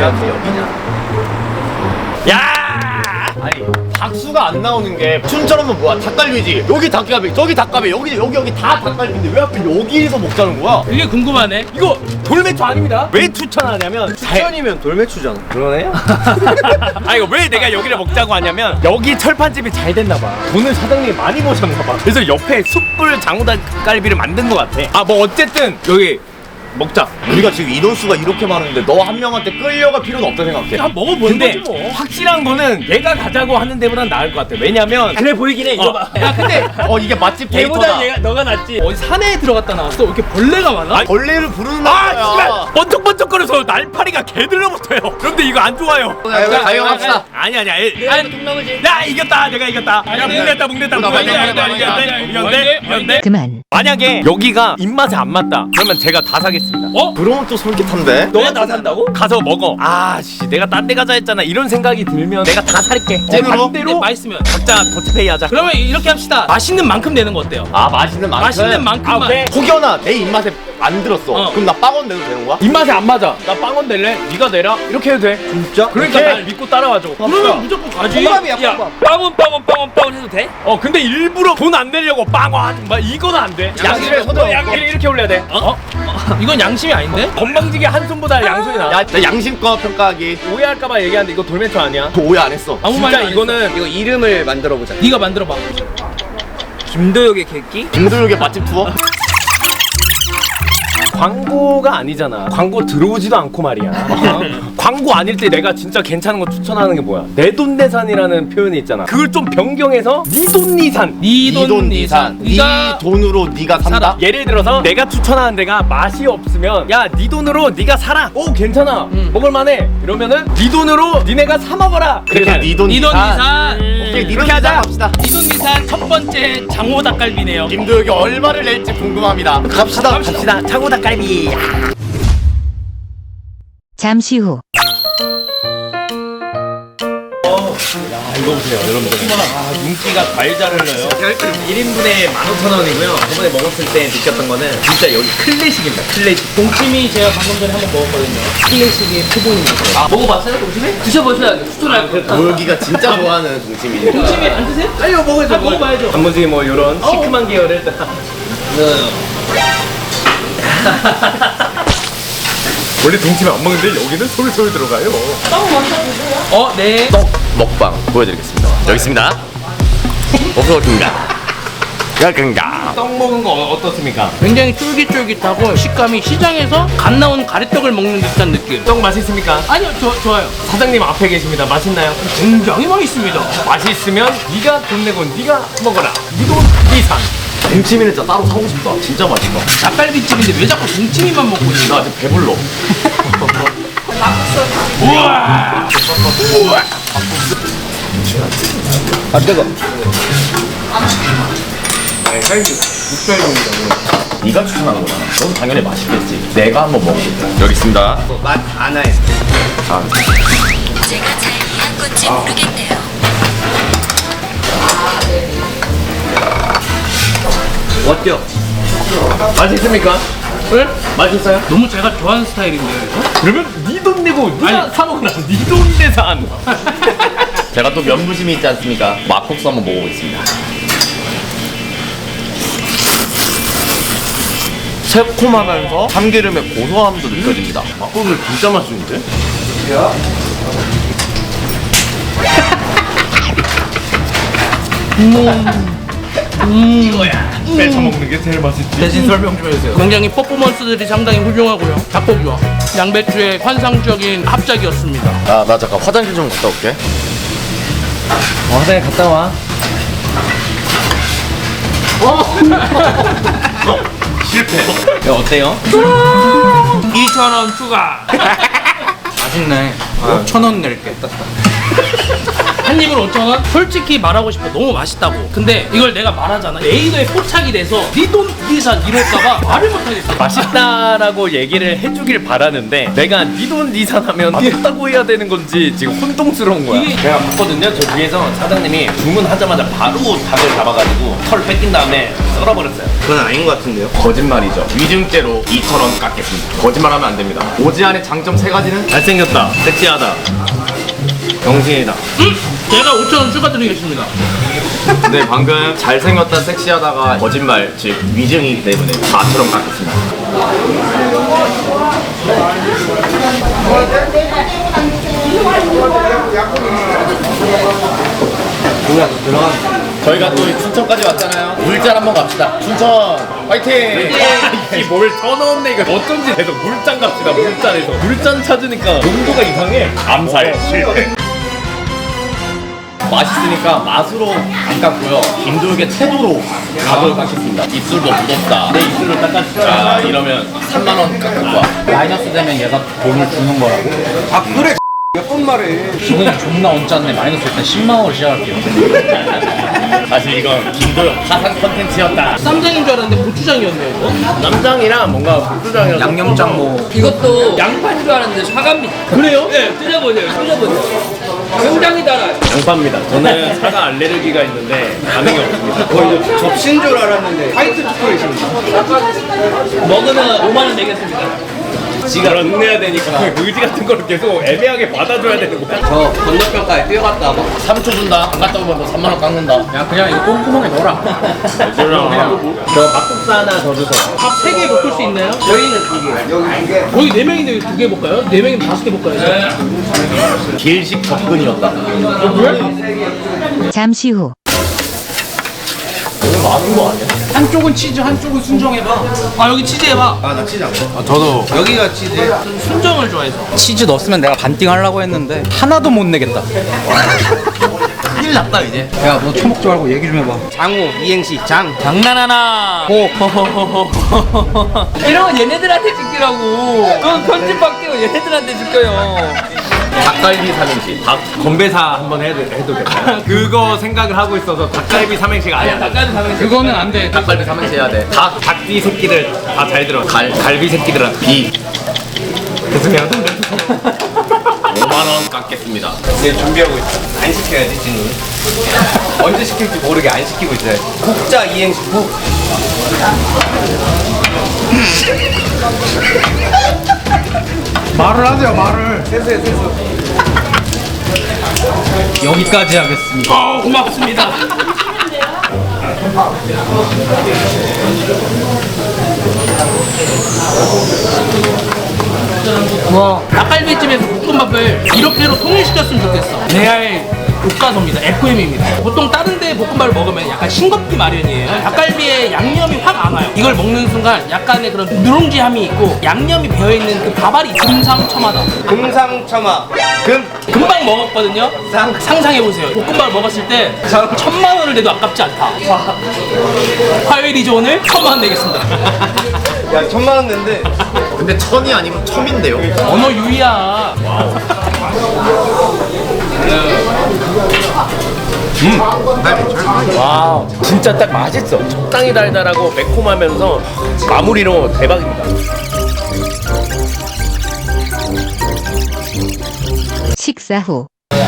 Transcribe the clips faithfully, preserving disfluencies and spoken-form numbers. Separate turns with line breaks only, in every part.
앞에 여기냐? 야! 아니 박수가 안 나오는 게 춘처럼은 뭐야? 닭갈비지. 여기 닭갈비, 저기 닭갈비, 여기 여기 여기 다 닭갈비인데 왜 하필 여기서 먹자는 거야?
이게 궁금하네.
이거 돌매추 아닙니다. 왜 추천하냐면
추천이면 돌매추잖아.
그러네요. 아 이거 왜 내가 여기를 먹자고 하냐면 여기 철판집이 잘 됐나 봐. 돈을 사장님이 많이 버셨나 봐. 그래서 옆에 숯불 장어닭갈비를 만든 것 같아. 아 뭐 어쨌든 여기 먹자. 우리가 지금 인원수가 이렇게 많은데 너 한 명한테 끌려갈 필요는 없다 생각해.
한 먹어보는
근데
거지 뭐.
확실한 거는 얘가 가자고 하는 데보단 나을 것 같아. 왜냐면
그래 보이긴 해. 이거
어.
봐. 야 근데
어 이게 맛집 데이터다.
얘보다 얘가 너가 낫지. 어디 산에 들어갔다 나왔어? 왜 이렇게 벌레가 많아?
아니, 벌레를 부르는
아,
거야.
씨발!
번쩍번쩍거려서 날파리가 개들러붙어요. 그런데 이거 안 좋아요.
가용합시다.
아니 아니 아니.
아니 동남아지.
야 이겼다. 내가 이겼다. 야 뭉냈다 뭉냈다. 이겼네 이겼네.
그만.
만약에 여기가 입맛에 안 맞다. 그러면 제가 다 사겠습니다.
어?
그러면 또 솔깃한데.
너가 나 산다고?
가서 먹어. 아씨 내가 딴 데 가자 했잖아. 이런 생각이 들면 내가 다 살게.
찐으로? 근데
반대로
맛있으면.
각자 더치페이 하자.
그러면 이렇게 합시다. 맛있는 만큼 내는 거 어때요?
아 맛있는 만큼.
맛있는 만큼만.
아, 오케이. 혹여나 내 입맛에 안 들었어.
어.
그럼 나 빵원 내도 되는 거야? 입맛에 안 맞아. 나 빵원 낼래? 네가 내라. 이렇게 해도 돼.
진짜?
그러니까
오케이.
날 믿고 따라와줘.
그러면 무조건 가지.
호감이야,
야,
호감.
빵원 빵원 빵원 빵원 해도 돼?
어 근데 일부러 돈 안 내려고 빵원 막 이거는 안 돼.
양심에
양심에
손을
양 이렇게 올려야 돼.
어? 어? 이건 양심이 아닌데?
건방지게 한 손보다 양손이 나.
야, 나 양심껏 평가하기.
오해할까봐 얘기하는데 이거 돌멘토 아니야?
저 오해 안 했어.
아무
진짜
말도 안
이거는
이거 이름을 만들어 보자.
네가 만들어봐.
김도혁의 객기?
김도육의 맛집 투어? 광고가 아니잖아. 광고 들어오지도 않고 말이야. 광고 아닐 때 내가 진짜 괜찮은 거 추천하는 게 뭐야? 내돈내산이라는 표현이 있잖아. 그걸 좀 변경해서 니돈니산.
니돈 니산.
네 돈으로 네가 산다?
살아.
예를 들어서 내가 추천하는 데가 맛이 없으면 야 네 돈으로 네가 사라. 오 괜찮아.
음.
먹을만해. 이러면은 네 돈으로 니네가 사 먹어라.
그래서
그렇게
니돈
니돈 니산.
오케이,
이렇게 하자.
갑시다.
니돈 니산 첫 번째 장호 닭갈비네요.
김도혁이 얼마를 낼지 궁금합니다.
갑시다.
갑시다. 창호 닭갈비.
잠시 후.
이거 보세요 여러분들. 아 눈기가 달달을 넣어요. 일 인분에 만 오천 원이고요. 저번에 먹었을 때 느꼈던 거는 진짜 여기 클래식입니다. 클래식.
동치미 제가 방금 전에 한번 먹었거든요. 클래식의 표본입니다.
아 먹어봤어요 동심이?
드셔보셔야 추천할 거.
도혁이가 진짜 좋아하는 동치미.
동치미 안 드세요?
아니요 먹어야죠.
먹어봐야죠.
단무지 뭐 이런 시큼한 계열을 원래 동치미 안 먹는데 여기는 솔솔 들어가요.
어, 네.
떡 먹방 보여드리겠습니다. 여기 있습니다. 어서든가. 야근가.
떡 먹은 거 어- 어떻습니까?
굉장히 쫄깃쫄깃하고 식감이 시장에서 갓 나온 가래떡을 먹는 듯한 느낌.
떡 맛있습니까?
아니요, 저, 좋아요.
사장님 앞에 계십니다. 맛있나요?
굉장히 맛있습니다.
맛있으면 네가 돈 내고 네가 먹어라. 니돈 이산.
동치미는 진짜 따로 사고 싶다. 진짜 맛있다.
닭갈비집인데 왜 자꾸 동치미만 먹고 있는
나
거야?
아직 배불러.
우와.
아 뜨거. 네가 추천한 거잖아. 넌 당연히 맛있겠지. 내가 한번 먹어볼게. 여기 있습니다. 맛 안 해. 아.
제가 잘 이해한 건지 모르겠네요.
어때요? 맛있습니까?
네?
맛있어요?
너무 제가 좋아하는 스타일인데요, 이거?
그러면 네 돈 내고 네가 사 먹어라. 네 돈 내산.
제가 또 면부심이 있지 않습니까? 막국수 한번 먹어보겠습니다. 새콤하면서 참기름의 고소함도 느껴집니다. 막국수 진짜 맛있는데?
뺏어 먹는 게 제일 맛있지.
대신 설명 좀 해주세요. 굉장히 퍼포먼스들이 상당히 훌륭하고요. 작곡이와 양배추의 환상적인 합작이었습니다.
아, 나 잠깐 화장실 좀 갔다 올게.
어, 화장실 갔다 와. 실패. 야, 어때요?
이천 원 추가. 맛있네. 오천 원 낼게. 한 입으로 오천 원? 솔직히 말하고 싶어. 너무 맛있다고. 근데 이걸 내가 말하잖아. 레이더에 포착이 돼서 니돈 니산 이럴까봐 말을 못하겠어.
맛있다라고 얘기를 해주길 바라는데 내가 니돈 니산하면 맛있다고 해야 되는 건지 지금 혼동스러운 거야.
이게-
제가 봤거든요. 저 위에서 사장님이 주문하자마자 바로 닭을 잡아가지고 털 뺏긴 다음에 썰어버렸어요.
그건 아닌 것 같은데요? 거짓말이죠. 위증죄로 이천 원 깎겠습니다. 거짓말하면 안 됩니다. 오지안의 장점 세 가지는
잘생겼다, 섹시하다, 병신이다.
음! 제가 오천 원 추가 드리겠습니다.
네, 방금 잘생겼다 섹시하다가 거짓말, 즉 위증이기 때문에 사천 원 깎겠습니다. 저희가 또 춘천까지 왔잖아요. 물잔 한번 갑시다. 춘천 화이팅!
이뭘 쳐넣었네 이거. 어쩐지 계속 물잔 갑시다. 물잔에서 물잔 찾으니까 농도가 이상해. 암살 실패.
맛있으니까 맛으로 안 깎고요. 김도육의 태도로 가격을 깎겠습니다. 입술도 무겁다. 내 입술을 닦아주자. 자, 이러면 삼만 원 깎을 거야.
마이너스 되면 얘가 돈을 주는 거라고?
아 그래 몇 번 말해.
지금 존나 얹었네. 마이너스 일단 십만 원으로 시작할게요.
사실 이건 김도육 파산 컨텐츠였다.
쌈장인 줄 알았는데 고추장이었네요, 이거.
쌈장이랑 뭔가 고추장이랑
양념장 뭐.
이것도 양파인 줄 알았는데 사과입니다.
그래요?
네, 드셔보세요. 드셔보세요. 굉장히 달아요.
양파입니다. 저는 사과 알레르기가 있는데 반응이 없습니다.
거의 접시인 줄 알았는데 화이트 초콜릿입니다.
먹으면 오만 원 내겠습니다.
지가 런내야 되니까 의지 같은 걸 계속 애매하게 받아줘야 되는 거야.
저 건너편까지 뛰어갔다 와.
삼 초 준다. 안 갔다 오면 너 삼만 원 깎는다.
야 그냥 이거 똥구멍에 넣어라.
저 막국수 하나 더 주세요.
밥 세 개 볶을 수 있나요?
저희는 이게
여기 이게
거의 네 명인데 두 개 볶아요? 네 명이면 다섯 개 볶아야죠.
길식 접근이었다.
잠시 후.
한쪽은 치즈, 한쪽은 순정해봐.
아, 여기 치즈 해봐.
아나 치즈 안 먹어.
저도
여기가 치즈.
순정을 좋아해서.
치즈 넣었으면 내가 반띵 하려고 했는데 하나도 못 내겠다.
큰일 났다, 이제.
야 너 처먹지 말고 얘기 좀 해봐.
장우 이행시 장.
장난하나.
호.
이런 건 얘네들한테 시키라고. 그건 편집할게요. 얘네들한테 시켜요.
닭갈비 삼행시.
닭 건배사 한번 해도, 해도 될까요? 그거 생각을 하고 있어서 닭갈비 삼행시가 아니야.
닭갈비 사면
그거는 안 돼.
닭갈비 삼행시 해야 돼.
닭, 닭띠 새끼들 다 잘 들어. 갈, 갈비 새끼들은
비.
됐으면
오만 원 깎겠습니다.
네 준비하고 있어. 안 시켜야지 진우. 언제 시킬지 모르게 안 시키고 있어요. 국자 이행시 국.
말을 하세요 말을.
세수해 세수.
여기까지 하겠습니다.
어, 고맙습니다. 와, 닭갈비집에서 볶음밥을 이렇게로 통일시켰으면 좋겠어. 레알 교과서입니다. 에프엠입니다. 보통 다른 데 볶음밥을 먹으면 약간 싱겁기 마련이에요. 닭갈비에 양념이 확 안 와요. 이걸 먹는 순간 약간의 그런 누룽지함이 있고 양념이 배어있는 그 밥알이 금상첨화다.
금상첨화. 금.
금방 먹었거든요.
상.
상상해보세요. 볶음밥을 먹었을 때 천만 원을 내도 아깝지 않다. 화요일이죠 오늘? 천만 원 내겠습니다.
야 천만 원 낸데.
근데 천이 아니면 첨인데요.
언어 유희야.
와 진짜 딱 맛있어. 적당히 달달하고 매콤하면서 마무리로 대박입니다.
식사 후.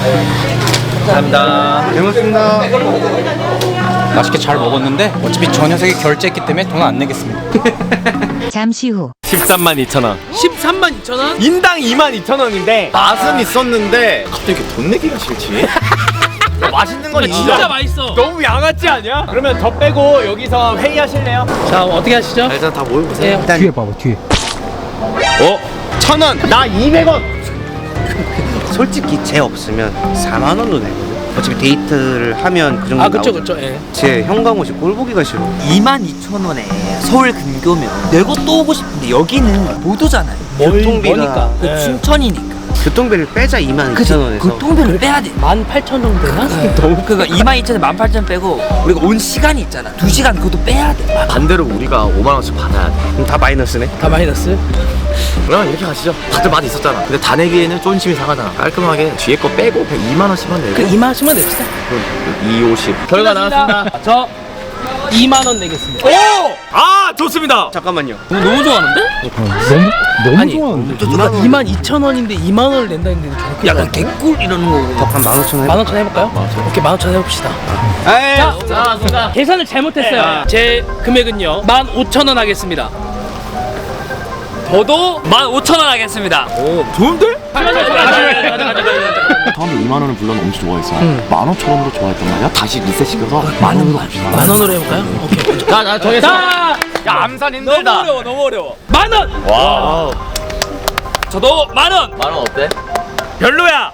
감사합니다.
잘 먹습니다.
맛있게 잘 먹었는데 어차피 저 녀석이 결제했기 때문에 돈 안 내겠습니다.
잠시 후.
십삼만 이천 원.
십삼만 이천 원?
인당 이만 이천 원인데
맛은 있었는데 갑자기 이렇게 돈 내기가 싫지?
맛있는 건
진짜
진짜
맛있어.
너무 양아치 아니야? 그러면 더 빼고 여기서 회의하실래요?
자, 어떻게 하시죠?
일단 다 모여보세요.
네.
뒤에 봐봐 뒤에.
어? 천 원. 나 이백 원.
솔직히 쟤 없으면 사만 원도 내거든. 어차피 데이트를 하면 그 정도
아, 그쵸,
나오잖아.
그쵸. 예.
쟤 현강옷이 꼴 보기가 싫어.
이만 이천 원에 서울 근교면 내가 또 오고 싶은데 여기는 못 오잖아요.
교통비가
그 춘천이니까.
교통비를 빼자 이만
그치?
이천 원에서.
교통비를 빼야 돼.
만 팔천 정도 되나?
너무 그니까 이만 이천에 만 팔천 빼고 우리가 온 시간이 있잖아. 두 시간 그것도 빼야 돼.
반대로 우리가 오만 원씩 받아야 돼.
그럼 다 마이너스네.
다 마이너스?
그럼 이렇게 가시죠. 다들 많이 있었잖아. 근데 다 내기에는 쫀심이 상하잖아. 깔끔하게 뒤에 거 빼고 이만 원씩만 내고.
그 이만 원씩만 냅시다.
이백오십. 결과 나왔습니다.
저 이만 원 내겠습니다.
오! 아 좋습니다.
잠깐만요.
너무 좋아하는데?
아니 이만 이천 원인데 이만 원을 낸다 했는데 저렇게
약간 개꿀 이러는 거.
한 만 오천 원.
만 원천 해볼까요? 오케이 만 원천 해봅시다.
에이.
자,
자, 순간.
계산을 잘못했어요. 제 금액은요 만 오천 원 하겠습니다.
저도 만 오천 원 하겠습니다.
좋은데?
처음에 이만 원을 물론 엄청 좋아했어. 만 오천 원으로 좋아했단 말이야. 다시 리셋 시켜서 만 원으로 갑시다.
만 원으로 해볼까요? 오케이.
자, 자, 정했어.
자,
야, 암산
너무
힘들다.
어려워, 너무 어려워.
만 원.
와.
저도 만 원.
만 원 어때?
별로야.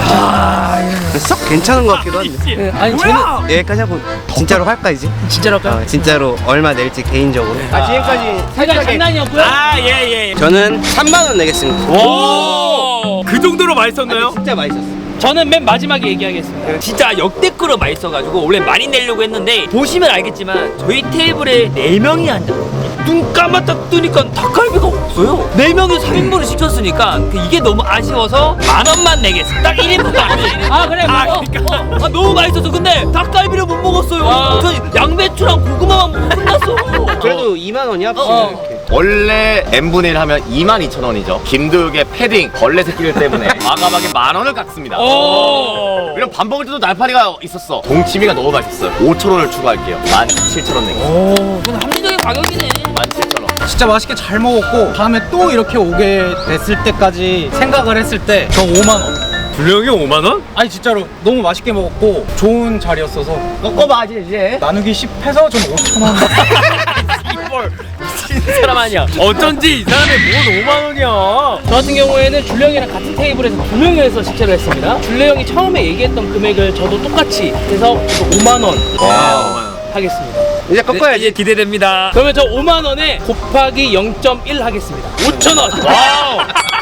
썩 괜찮은 것 같기도 한데.
예, 아니 저는
여기까지 하고 진짜로 할까 이제?
진짜로 할까요?
어, 진짜로 얼마 낼지 개인적으로. 아 지금까지
살짝 장난이었고요.
아 예 예.
저는 삼만 원 내겠습니다.
오. 그 정도로 맛있었나요?
진짜 맛있었어.
저는 맨 마지막에 얘기하겠습니다.
진짜 역대급으로 맛있어가지고 원래 많이 내려고 했는데 보시면 알겠지만 저희 테이블에 네 명이 앉아. 눈 감았다 뜨니까 닭갈비가 없어요. 네 명이 삼 인분을 시켰으니까 그 이게 너무 아쉬워서 만 원만 내겠습니다. 딱 일 인분만.
아 그래
아,
뭐.
그러니까. 아, 너무 맛있어서 근데 닭갈비를 못 먹었어요.
아.
저 양배추랑 고구마만 먹고 끝났어.
그래도 이만 원이 합치면
어.
이렇게.
원래 n분의 일 하면 이만 이천 원이죠. 김도육의 패딩, 벌레 새끼들 때문에 과감하게 만 원을 깎습니다.
오.
이런 밥 먹을 때도 날파리가 있었어. 동치미가 너무 맛있어요. 오천 원을 추가할게요. 만 칠천 원 내겠습니다.
이건 합리적인 가격이네.
만 칠천 원.
진짜 맛있게 잘 먹었고 다음에 또 이렇게 오게 됐을 때까지 생각을 했을 때 저 오만 원.
분량이 오만 원?
아니 진짜로 너무 맛있게 먹었고 좋은 자리였어서
꺾어봐 이제.
나누기 십 해서 좀 오천 원.
이걸 미친 사람 아니야. 어쩐지 이 사람이 뭔 오만 원이야.
저 같은 경우에는 줄레 형이랑 같은 테이블에서 두 명이서 식사를 했습니다. 줄레 형이 처음에 얘기했던 금액을 저도 똑같이 해서 저도 오만 원 하겠습니다.
이제 꺾어야지.
이제 기대됩니다.
그러면 저 오만 원에 곱하기 영 점 일 하겠습니다. 오천 원.
와우.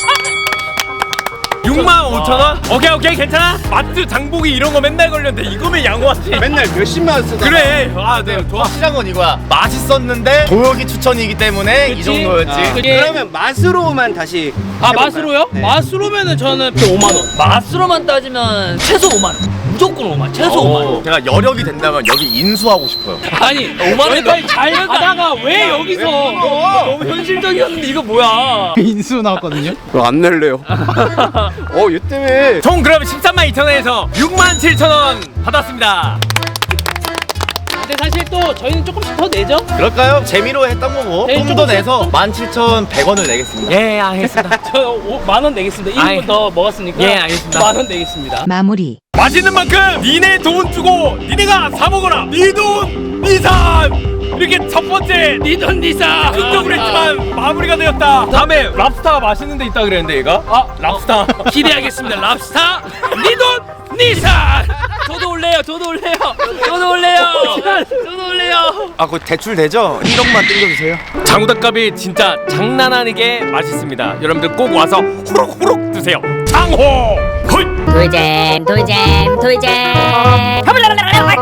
육만 오천 원? 오케이 오케이 괜찮아. 마트 장보기 이런 거 맨날 걸렸는데 이거면 양호하지.
맨날 몇십만 원 쓰다.
그래. 아네 좋아.
확실한 건 이거야. 맛있었는데 도역이 추천이기 때문에 이
그치?
정도였지.
아, 그게-
그러면 맛으로만 다시.
아
해볼까요?
맛으로요?
네.
맛으로면은 저는 또 오만 원.
맛으로만 따지면 최소 오만 원. 무조건 오만 원. 최소 오만 원.
제가 여력이 된다면 여기 인수하고 싶어요.
아니
오만 원에
여기까지 잘 가다가 왜 여기서?
너무 현실적이었는데 이거 뭐야?
인수 나왔거든요.
안 낼래요. 어, 얘 때문에.
총 그럼 십삼만 이천 원에서 육만 칠천 원 받았습니다.
근데 사실 또 저희는 조금씩 더 내죠?
그럴까요? 재미로 했던 거고
네,
좀 더
조금씩.
내서 만 칠천백 원을 내겠습니다.
예 알겠습니다.
저 만 원 내겠습니다.
아이.
일 인분 더 먹었으니까.
예, 알겠습니다.
만 원 내겠습니다.
마무리.
맛있는 만큼 니네 돈 주고 니네가 사 먹어라. 니 돈 니산. 이렇게 첫 번째
니돈 니사.
긍정을 했지만 마무리가 되었다. 다음에 랍스타 맛있는 데 있다 그랬는데 얘가? 아 랍스타.
기대하겠습니다. 랍스타 니돈 니사.
저도 올래요. 저도 올래요. 저도 올래요. 저도 올래요.
아, 그거 대출 되죠? 일억만 땡겨주세요.
장우닭갈비 진짜 장난 아니게 맛있습니다. 여러분들 꼭 와서 호록호록 드세요. 장호 콜.
돌잼 돌잼 돌잼